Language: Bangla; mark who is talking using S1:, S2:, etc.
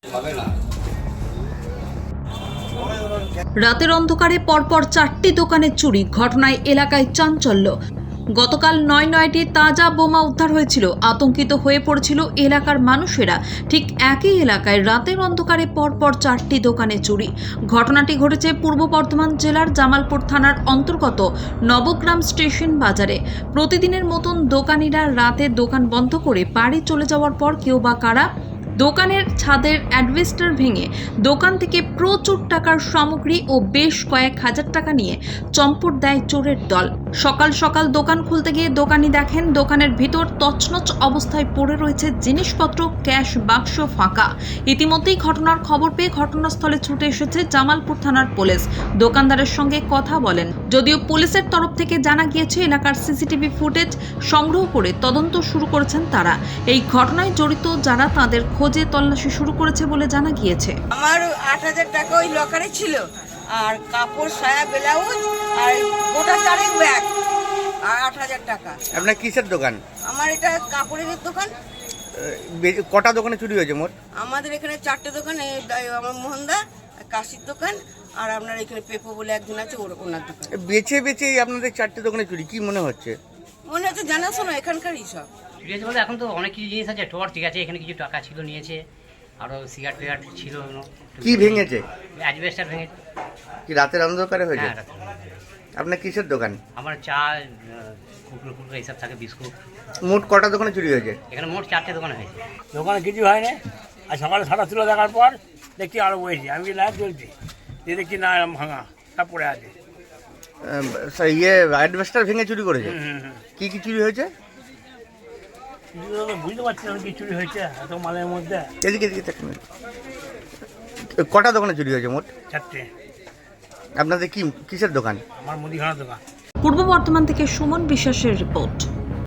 S1: রাতের অন্ধকারে পরপর 4টি দোকানে চুরি, ঘটনায় এলাকায় চাঞ্চল্য। গতকাল নয়টি তাজা বোমা উদ্ধার হয়েছিল। আতঙ্কিত হয়ে পড়েছিল এলাকার মানুষেরা। ঠিক একই এলাকায় রাতের অন্ধকারে পরপর 4টি দোকানে চুরি। ঘটনাটি ঘটেছে পূর্ব বর্ধমান জেলার জামালপুর থানার অন্তর্গত নবগ্রাম স্টেশন বাজারে। প্রতিদিনের মতন দোকানিরা রাতে দোকান বন্ধ করে বাড়ি চলে যাওয়ার পর কেউ বা কারা দোকানের ছাদের অ্যাডভেস্টার ভেঙে দোকান থেকে প্রচুর টাকার সামগ্রী ও বেশ কয়েক হাজার টাকা নিয়ে চম্পট দেয় চোরের দল। সকাল সকাল দোকান খুলতে গিয়ে দোকানি দেখেন দোকানের ভিতর তছনছ অবস্থায় পড়ে রয়েছে জিনিসপত্র, ক্যাশ বাক্স ফাঁকা। ইতিমধ্যেই ঘটনার খবর পেয়ে ঘটনাস্থলে ছুটে এসেছে জামালপুর থানার পুলিশ। দোকানদারের সঙ্গে কথা বলেন। যদিও পুলিশের তরফ থেকে জানা গিয়েছে এলাকার সিসিটিভি ফুটেজ সংগ্রহ করে তদন্ত শুরু করেছেন তারা। এই ঘটনায় জড়িত যারা তাদের খোঁজে তল্লাশি শুরু করেছে বলে জানা গিয়েছে।
S2: আমার 8,000 টাকা ওই লকারে ছিল, আর কাপড়, সায়া, ব্লাউজ আর গোটা 4 ব্যাগ আর 8,000 টাকা।
S3: আপনার কিসের দোকান?
S2: আমার এটা কাপড়ের দোকান।
S3: কটা দোকানে চুরি হয়েছে মোট?
S2: আমাদের এখানে 4টে দোকান, আমার মোহনদা, কাশির দোকান আর আপনার এখানে পেপো বলে একজন আছে, ওনার দোকান।
S3: বেছে বেছে আপনাদের 4টে দোকানে চুরি, কি মনে হচ্ছে?
S2: মনে হচ্ছে জানাশোনা এখানকারই সব।
S4: চুরি হয়েছে বলতে এখন তো অনেক কিছু জিনিস আছে, টোয়ার ঠিক আছে, এখানে কিছু টাকা ছিল নিয়েছে, আরও সিগারেট ফিগারেট ছিল।
S3: কি ভেঙেছে?
S4: অ্যাডভেস্টার ভেঙেছে।
S3: কি রাতের অন্ধকারে হয়েছে?
S4: হ্যাঁ, রাতে।
S3: আপনার কিসের দোকান?
S4: আমার চা, কুকুর এইসব থাকে, বিস্কুট।
S3: মোট কটা দোকানে চুরি হয়েছে?
S4: এখানে মোট 4টে দোকানে হয়েছে।
S5: দোকানে কিছু হয় না। আর সকালে সারা তুলে দেখার পর দেখছি আরো বইছি, আমি কি লাইট চলছি, যে দেখছি না এরকম ভাঙা সব পড়ে আছে।
S3: অ্যাডভেস্টার ভেঙে চুরি করেছে? কি কি চুরি হয়েছে?
S5: কিছু তো বুঝতে পারছি না কি চুরি হয়েছে এত মালের মধ্যে।
S3: এদিকে এদিকে দেখুন। কটা দোকানে চুরি হয়েছে মোট?
S5: 4টে।
S3: আপনাদের কি কিসের দোকান?
S5: আমার মুদিখানার দোকান।
S1: পূর্ব বর্ধমান থেকে সুমন বিশ্বাসের রিপোর্ট।